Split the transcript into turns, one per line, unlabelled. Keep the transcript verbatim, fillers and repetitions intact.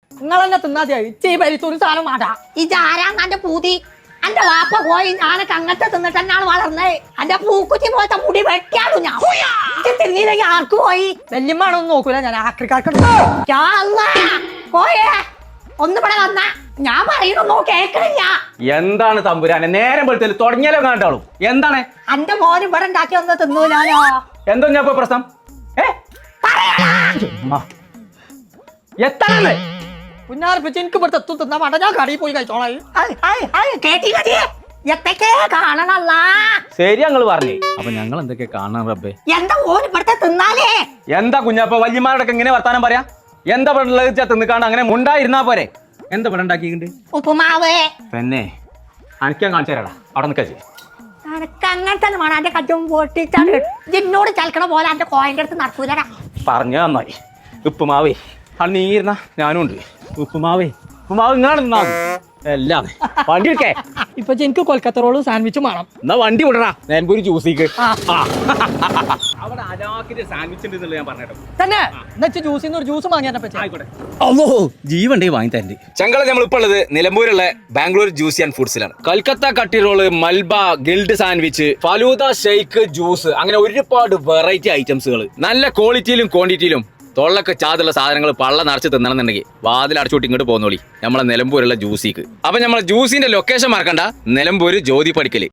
നിങ്ങളെന്നെ തിന്നാതിയായി ചീ പരിത്തൊരു സാധനം മാടാ
ഇതാരാന്ന് എന്റെ പൂതി എന്റെ വാപ്പ പോയി ഞാനൊക്കെ അങ്ങനത്തെ തിന്നിട്ട് തന്നെയാണ് വളർന്നത്. എന്റെ പൂക്കുറ്റി പോലത്തെ മുടി വെട്ടിയാണു ഞാൻ തിന്നില്ലെങ്കിൽ ആർക്ക് പോയി
വല്യമ്മാണൊന്നും നോക്കൂല ഞാൻ ആക്രിക്കാർക്ക്
പോയേ ഒന്ന് ഇവിടെ വന്ന ഞാൻ പറയുന്നു കേക്കണില്ല.
എന്താണ് തമ്പുരാനെ നേരം വെളുത്തല് തുടങ്ങിയാലോ കണ്ടാളും എന്താണ്
എന്റെ മോന് ഇവിടെ ഉണ്ടാക്കി ഒന്ന് തിന്നൂലാലോ.
എന്തോ ഞാൻ ഇപ്പൊ പ്രശ്നം ഏ എത്താണല്ലേ
പുന്നാർപ്പിച്ച് എനിക്ക് ഇവിടുത്തെ എത്തും തിന്നാ വേണ്ട ഞാൻ കടയിൽ പോയി കഴിച്ചോളാം.
കേട്ടില്ലേ എത്തൊക്കെ കാണണല്ല
ശരി ഞങ്ങൾ പറഞ്ഞേ അപ്പൊ ഞങ്ങൾ എന്തൊക്കെ കാണാൻ റബ്ബേ.
എന്താ ഓന് ഇവിടുത്തെ തിന്നാലേ
എന്താ കുഞ്ഞാപ്പ വല്യമാരോടൊക്കെ ഇങ്ങനെ വർത്താനം പറയാ എന്താ പെണ്ണുള്ളത് തിന്നിക്കാണ്ട് അങ്ങനെ മുണ്ടായിരുന്നാ പോരെ എന്താ പെണ്ണ ഉണ്ടാക്കിയിട്ടുണ്ട്
ഉപ്പുമാവ്
പിന്നെ അനക്കാൻ കാണിച്ചു തരാടാ അവിടെ നിൽക്കാ
എനക്ക് അങ്ങനെ തന്നെ വേണം. എന്റെ കജ്ജും പൊട്ടിച്ചാണ് ജിന്നോട് ചലക്കണ പോലെ എന്റെ കോയന്റെ അടുത്ത് നടക്കൂലടാ.
പറഞ്ഞു നന്നായി ഉപ്പുമാവേ അത് നീരുന്ന ഞാനും ഉണ്ട് ഉപ്പുമാവേ ഉപ്പുമാവ് ഇങ്ങാണ് നിന്നാ എല്ലാം വണ്ടി എടുക്കേ
ഇപ്പൊ എനിക്ക് കൊൽക്കത്ത റോളും സാൻഡ്വിച്ചും വേണം.
എന്നാ വണ്ടി വിടറാ നേൻപൂരി ജ്യൂസിക്ക് അവിടെ അലാക്കിന്റെ സാൻഡ്വിച്ച് ഉണ്ട് ഞാൻ പറഞ്ഞോ
തന്നെ എന്നുവെച്ച് ജ്യൂസിന്ന് ഒരു ജ്യൂസ് വാങ്ങിയാ പറ്റി
ആയിക്കോട്ടെ ഓ ജീവണ്ടേ വാങ്ങി തരണ്ട് ചങ്കള നമ്മളിപ്പോൾ ഉള്ളത് നിലമ്പൂരുള്ള ബാംഗ്ലൂർ ജ്യൂസി ആൻഡ് ഫുഡ്സിലാണ്. കൽക്കത്ത കട്ടി റോള് മൽബ grilled sandwich falooda shake juice അങ്ങനെ ഒരുപാട് വെറൈറ്റി ഐറ്റംസുകൾ നല്ല ക്വാളിറ്റിയിലും ക്വാണ്ടിറ്റിയിലും തൊള്ളൊക്കെ ചാതുള്ള സാധനങ്ങൾ പള്ള നിറച്ച് തിന്നണമെന്നുണ്ടെങ്കിൽ വാതിൽ അടച്ചോട്ട് ഇങ്ങോട്ട് പോന്നോളി നമ്മളെ നിലമ്പൂരുള്ള ജ്യൂസിക്ക്. അപ്പൊ നമ്മളെ ജ്യൂസിന്റെ ലൊക്കേഷൻ മറക്കണ്ട, നിലമ്പൂര് ജ്യോതി പടിക്കല്.